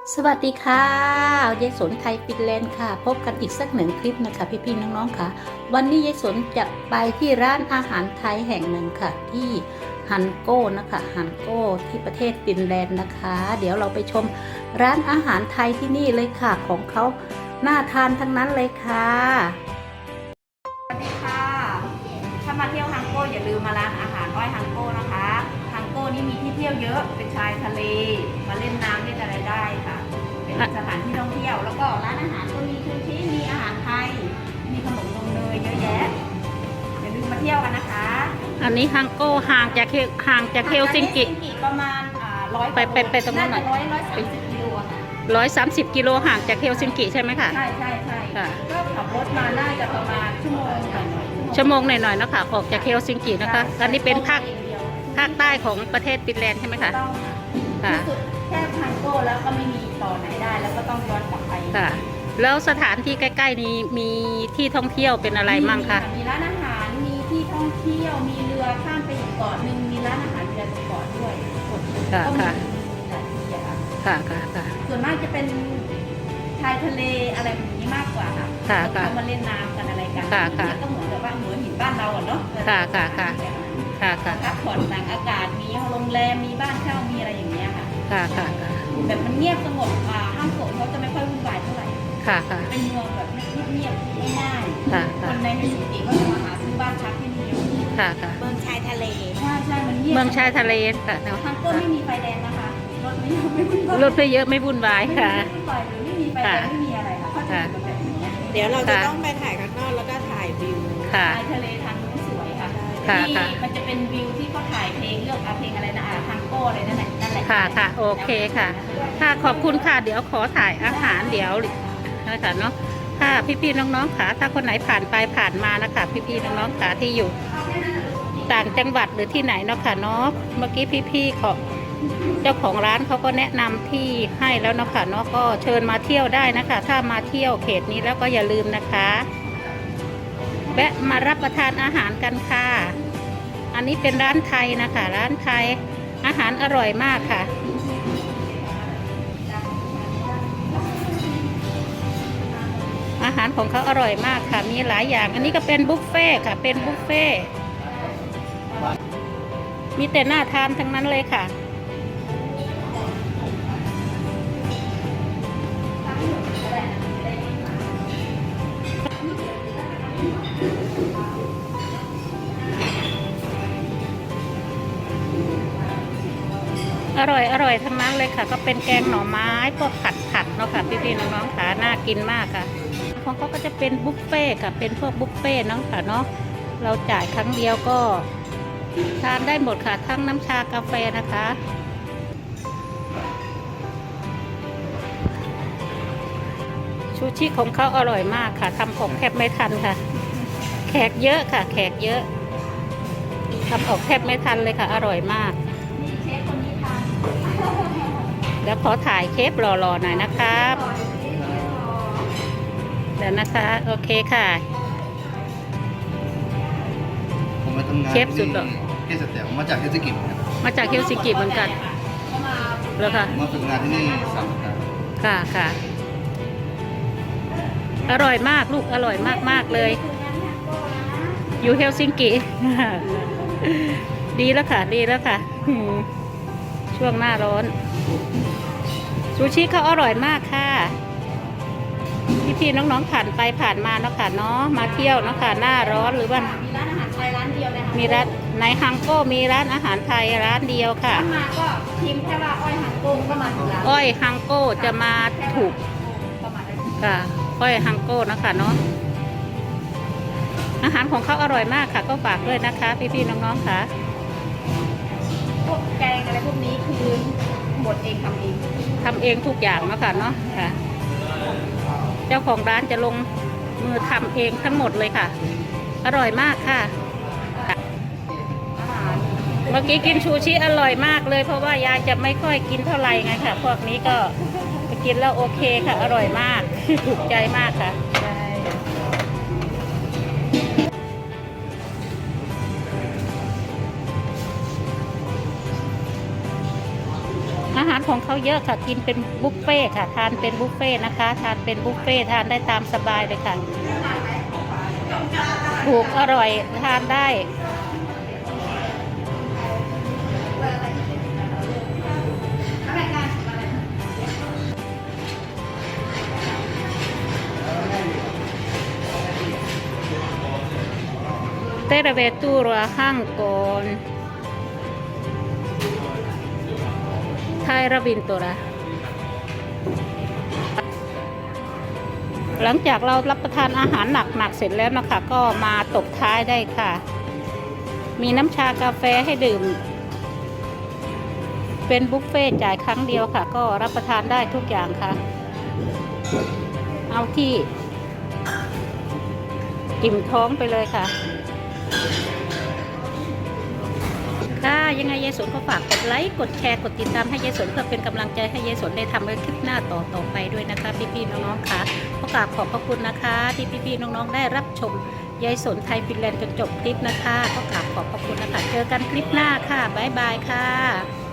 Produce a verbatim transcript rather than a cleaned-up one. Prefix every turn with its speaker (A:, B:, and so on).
A: สวัสดีค่ะยายสนไทยฟินแลนด์ค่ะพบกันอีกสักหนึ่งคลิปนะคะพี่ๆน้องๆค่ะวันนี้ยายสนจะไปที่ร้านอาหารไทยแห่งหนึ่งค่ะที่ฮันโก้นะคะฮันโก้ที่ประเทศฟินแลนด์นะคะ เดี๋ยวเราไปชมร้านอาหารไทยที่นี่เลยค่ะของเขาน่าทานทั้งนั้นเลยค่ะ
B: สวัสดีค่ะถ้ามาเที่ยวฮังโก้อย่าลืมมาร้านอาหารอ้อยฮังโก้นะคะฮังโก้นี่มีที่เที่ยวเยอะเป็นชายทะเลมาเล่นน้ำเล่นอะไรได้ค่ะเป็นสถานที่ท่องเที่ยวแล้วก็ร้านอาหารก็มีชูชีมีอาหารไทยมีขนมนมเนยเยอะแยะอย่าลืมมาเที่ยวกันนะคะ
A: อันนี้ฮังโก้ห่างจากห่างจากเฮลซิงกิ
B: ประมาณร้อย
A: ไปไปไปตรงนั้นหน่อย
B: ร้อยร้อยสามสิบกิโลค่ะ
A: ร้อยสามสิบกิโลห่างจากเฮลซิงกิใช่ไหมคะ
B: ใช่ใช่ใช่ก็ขับรถมาน่าจะประมาณชั่วโมงหน่อย
A: ชั่วโมงหน่อยๆนะคะออกจากเฮลซิงกินะคะอันนี้เป็นภาคภาคใต้ของประเทศฟินแลนด์ใช่ไหมคะ
B: ค่ะสุดแค่ฮังโก้แล้วก็ไม่มีต่อไหนได้แล้วก็ต้องย้อนกลับไป
A: ค่ะแล้วสถานที่ใกล้ๆนี้มีที่ท่องเที่ยวเป็นอะไรมั่งคะ
B: มีร้านอาหารมีที่ท่องเที่ยวมีเรือข้ามไปอีกเกาะหนึ่งมีร้านอาหารเรือตรงเกาะด้วย
A: ค่ะค่ะค่ะค่ะค่ะ
B: ส่วนมากจะเป็นชายทะเลอะไรแบบนี้มากกว่าค่ะ
A: ค่ะค่ะ
B: เขามาเล่นน้ำกันอะไรกัน
A: ค่ะค่ะ
B: ก็เหมือนกับว่าหัวหินบ้านเราอ่ะเนาะ
A: ค่ะค่ะค่ะค่ะค่ะ
B: พักผ่อนต่างอากาศมีโรงแรมมีบ้านเช่ามีอะไรอย่างเงี้ยค่ะ
A: ค่ะค่ะค่ะ
B: แบบมันเงียบสงบอ่าห้างโถงเขาจะไม่ค่อยวุ่นวายเท่าไหร่
A: ค่ะค่ะ
B: เป็นเมืองแบบเงียบๆง่ายๆคนในเฮลซิงกิก็จะมาหาซื้อบ้านพักที่นี่เยอะ
A: ค่ะค่ะ
B: เมืองชายทะเลใช่ใช่มันเงียบ
A: เมืองชายทะเลค่ะ
B: ทางต้นไม่มีไฟแดงนะคะรถไม่เยอะไม่วุ่นวาย
A: รถไม่เยอะไม่วุ่นวายค่ะ
B: ไม่วุ่นวายหรือไม่มีไฟแดงไม่มีอะไรค่ะเขาจะแบบนี้
C: เดี๋ยวเราจะต้องไปถ่ายข้างนอกแล้วก็ถ่ายวิว
A: ช
B: ายทะเลทางนู้นสวยค่ะที่มันจะเป็นวิวที่เขาถ่ายเพลงเลือกเพลงอะไรนะทางโก้อะไรนั่นแหละนั่นแหละ
A: ค่ะค่ะโอเคค่ะค่ะขอบคุณค่ะเดี๋ยวขอถ่ายอาหารเดี๋ยวนะคะเนาะค่ะพี่ๆน้องๆค่ะถ้าคนไหนผ่านไปผ่านมานะคะพี่ๆน้องๆค่ะที่อยู่ต่างจังหวัดหรือที่ไหนเนาะค่ะเนาะเมื่อกี้พี่ๆขอเจ้าของร้านเขาก็แนะนำที่ให้แล้วเนาะค่ะเนาะก็เชิญมาเที่ยวได้นะคะถ้ามาเที่ยวเขตนี้แล้วก็อย่าลืมนะคะแวะมารับประทานอาหารกันค่ะอันนี้เป็นร้านไทยนะคะร้านไทยอาหารอร่อยมากค่ะอาหารของเขาอร่อยมากค่ะมีหลายอย่างอันนี้ก็เป็นบุฟเฟ่ค่ะเป็นบุฟเฟ่มีแต่น่าทานทั้งนั้นเลยค่ะอร่อยอร่อยทั้งนั้นเลยค่ะก็เป็นแกงหน่อไม้พวกผัดผัดเนาะค่ะพี่ๆน้องๆค่ะน่ากินมากค่ะของเขาก็จะเป็นบุฟเฟ่ค่ะเป็นพวกบุฟเฟ่เนาะค่ะเนาะเราจ่ายครั้งเดียวก็ทานได้หมดค่ะทั้งน้ำชากาแฟนะคะชูชิของเขาอร่อยมากค่ะทำออกแทบไม่ทันค่ะแขกเยอะค่ะแขกเยอะทำออกแทบไม่ทันเลยค่ะอร่อยมากเดี๋ยวขอถ่ายเชฟหล่อๆหน่อยนะครับเดี๋ยวนะคะโอเคค่ะ
D: ผมมาทำงาน
A: เชฟสุดหล่อ
D: เฮลซิงกิมาจากเฮลซิงกิ
A: มาจากเฮลซิงกิเหมือนกันแล้วค่ะ
D: มาฝึกงานที่นี่สามสัปดาห์
A: ค่ะค่ะอร่อยมากลูกอร่อยมากๆเลยอยู่เฮลซิงกิดีแล้วค่ะดีแล้วค่ะช่วงหน้าร้อนซูชิเขาอร่อยมากค่ะพี่ๆน้องๆผ่านไปผ่านมาเนาะค่ะเนาะมาเที่ยวเนาะค่ะหน้าร้อนหรือว่า
B: มีร้านอาหารไทยร้านเดียวเลยค่ะ
A: มีร้านในฮังโก้มีร้านอาหารไทยร้านเดียวค่ะ
B: มาก็ทีมแค่ว่าอ้อยฮังโก้ก็มาถึงร้าน
A: อ้อยฮังโก้จะมาถูกค่ะอ้อยฮังโก้นะคะเนาะอาหารของเขาอร่อยมากค่ะก็ฝากด้วยนะคะพี่ๆน้องๆค่ะ
B: พวกแกงอะไรพวกนี้คือหมดเองทำเอง
A: ทำเองทุกอย่างเนาะค่ะเนาะค่ะเจ้าของร้านจะลงมือทำเองทั้งหมดเลยค่ะอร่อยมากค่ะเมื่อกี้กินชูชิอร่อยมากเลยเพราะว่ายายจะไม่ค่อยกินเท่าไหร่ไงค่ะพวกนี้ก็กินแล้วโอเคค่ะอร่อยมากถูกใจมากค่ะอาหารของเขาเยอะค่ะกินเป็นบุฟเฟ่ต์ค่ะทานเป็นบุฟเฟ่ต์นะคะทานเป็นบุฟเฟ่ต์ทานได้ตามสบายเลยค่ะถูกอร่อยทานได้เตระเวตูรัวห้างกอนไทยระบินตัวละหลังจากเรารับประทานอาหารหนักๆเสร็จแล้วนะคะก็มาตบท้ายได้ค่ะ มีน้ำชากาแฟให้ดื่ม เป็นบุฟเฟ่ต์จ่ายครั้งเดียวค่ะ ก็รับประทานได้ทุกอย่างค่ะ เอาที่อิ่มท้องไปเลยค่ะ ค่ะยังไงยายสนก็ฝากกดไลค์กดแชร์กดติดตามให้ยายสนเพื่อเป็นกำลังใจให้ยายสนได้ทำคลิปหน้าต่อต่อไปด้วยนะคะพี่ๆน้องๆค่ะขอกราบขอบพระคุณนะคะที่พี่ๆน้องๆได้รับชมยายสนไทยฟินแลนด์จนจบคลิปนะคะขอกราบขอบพระคุณนะคะเจอกันคลิปหน้าค่ะบ๊ายบายค่ะ